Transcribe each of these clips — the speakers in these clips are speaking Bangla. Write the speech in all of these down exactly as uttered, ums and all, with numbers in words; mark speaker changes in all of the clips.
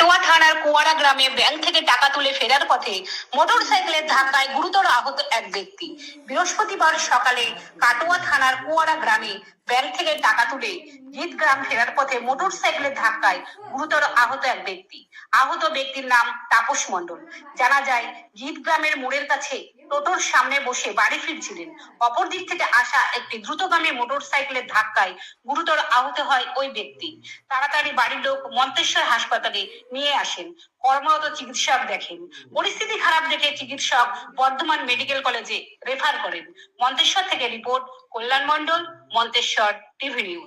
Speaker 1: কাটোয়া থানার কুয়ারা গ্রামে ব্যাংক থেকে টাকা তুলে ফেরার পথে মোটরসাইকেলের ধাক্কায় গুরুতর আহত এক ব্যক্তি। বৃহস্পতিবার সকালে কাটোয়া থানার কুয়ারা গ্রামে ব্যাংক থেকে টাকা তুলে জিত গ্রাম ফেরার পথে মোটরসাইকেলের ধাক্কায় গুরুতর আহত এক ব্যক্তি। আহত ব্যক্তির নাম তাপস মণ্ডল। জানা যায় জিত গ্রামের মোড়ের কাছে টোটোর সামনে বসে বাড়ি ফিরছিলেন। অপর দিক থেকে আসা একটি দ্রুতগামী মোটরসাইকেলের ধাক্কায় গুরুতর আহত হয় ওই ব্যক্তি। তাড়াতাড়ি বাড়ির লোক মন্তেশ্বর হাসপাতালে নিয়ে আসেন। কর্মরত চিকিৎসক দেখেন। পরিস্থিতি খারাপ দেখে চিকিৎসক বর্ধমান মেডিকেল কলেজে রেফার করেন। মন্তেশ্বর থেকে report Kalyan Mondal, Manteswar TV news.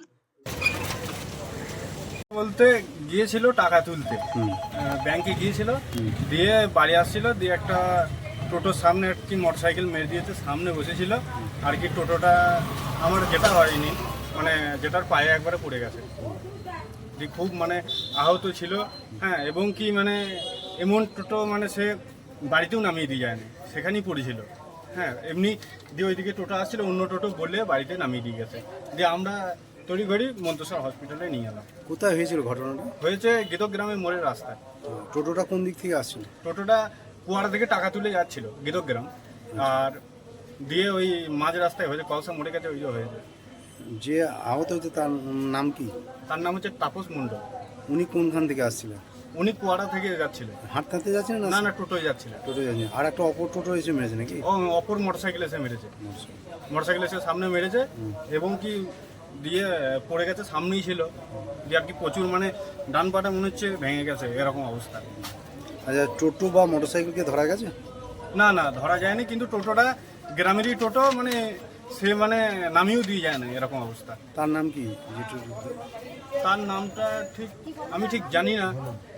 Speaker 2: বলতে গিয়েছিল টাকা তুলতে, ব্যাংকে গিয়েছিল, দিয়ে বাড়ি আসছিল, দিয়ে একটা টোটোর সামনে একটি মোটরসাইকেল মেরে দিয়েছে, সামনে বসেছিল আর কি। টোটোটা আমার যেটা হয়নি, মানে যেটার পায়ে একবারে পড়ে গেছে, দিয়ে খুব মানে আহত ছিল। হ্যাঁ, এবং কি মানে এমন টোটো মানে সে বাড়িতেও নামিয়ে দিয়ে যায়নি, সেখানেই পড়েছিল। হ্যাঁ, এমনি দিয়ে ওইদিকে টোটো আসছিল, অন্য টোটো বলে বাড়িতে নামিয়ে দিয়ে গেছে। দিয়ে আমরা তড়িঘড়ি মন্তেশ্বর হসপিটালে নিয়ে এলাম।
Speaker 3: কোথায় হয়েছিল ঘটনাটা?
Speaker 2: হয়েছে গীতক গ্রামের মোড়ের রাস্তায়।
Speaker 3: টোটোটা কোন দিক থেকে আসছিল?
Speaker 2: টোটোটা কুয়ারা থেকে টাকা তুলে যাচ্ছিল গীতক গ্রাম, আর দিয়ে ওই মাঝ রাস্তায় হয়েছে, কলসা মোড়ে কাছে ওই যে হয়েছে।
Speaker 3: যে আহত হয়েছে তার নাম কি?
Speaker 2: তার নাম হচ্ছে তাপস মণ্ডল।
Speaker 3: উনি কোনখান থেকে আসছিলেন?
Speaker 2: উনি কুয়ারা থেকে যাচ্ছিলেন।
Speaker 3: হাঁটতে যাচ্ছেন
Speaker 2: না
Speaker 3: না?
Speaker 2: না, টোটোয় যাচ্ছিলেন।
Speaker 3: টোটো যাচ্ছেন। আর একটা অপর টোটো এসে মেরেছে নাকি?
Speaker 2: ও অপর মোটরসাইকেল এসে মেরেছে, মোটরসাইকেল এসে সামনে মেরেছে, এবং কি দিয়ে পড়ে গেছে, সামনেই ছিল। দিয়ে আর কি প্রচুর মানে ডান পাটা মনে হচ্ছে ভেঙে গেছে, এরকম অবস্থা।
Speaker 3: আচ্ছা, টোটো বা মোটরসাইকেলকে ধরা গেছে?
Speaker 2: না না, ধরা যায়নি, কিন্তু টোটোটা গ্রামেরই টোটো, মানে সে মানে নামিয়েও দিয়ে যায় না, এরকম অবস্থা।
Speaker 3: তার নাম কি? যে টোটো-
Speaker 2: তার নামটা ঠিক আমি ঠিক জানি না,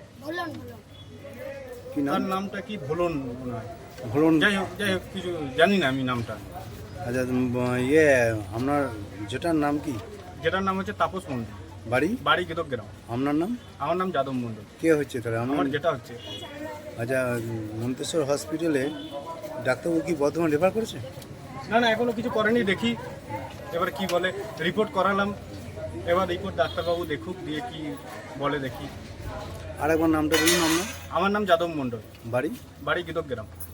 Speaker 3: কি
Speaker 2: তার
Speaker 3: নাম?
Speaker 2: নামটা কি ভোলন মনে হয়।
Speaker 3: ভুলন।
Speaker 2: যাই হোক যাই হোক কিছু জানি না আমি নামটা।
Speaker 3: আচ্ছা, উম, ইয়ে আপনার যেটার নাম কি?
Speaker 2: যেটার নাম হচ্ছে তাপস মণ্ডল,
Speaker 3: বাড়ি?
Speaker 2: বাড়ি গীতক গ্রাম।
Speaker 3: আপনার নাম?
Speaker 2: আমার নাম যাদব মণ্ডল।
Speaker 3: কে হচ্ছে তাহলে?
Speaker 2: আমার
Speaker 3: আমার
Speaker 2: যেটা হচ্ছে।
Speaker 3: আচ্ছা, মন্তেশ্বর হসপিটালে ডাক্তারবাবু কি বর্ধমান রেফার করেছে?
Speaker 2: না না, এখনো কিছু করেনি, দেখি এবার কি বলে। রিপোর্ট করালাম, এবার রিপোর্ট ডাক্তারবাবু দেখুক, দিয়ে কি বলে দেখি।
Speaker 3: আর একবার নামটা বলুন আপনার।
Speaker 2: আমার নাম যাদব মণ্ডল,
Speaker 3: বাড়ি?
Speaker 2: বাড়ি গীতক গ্রাম।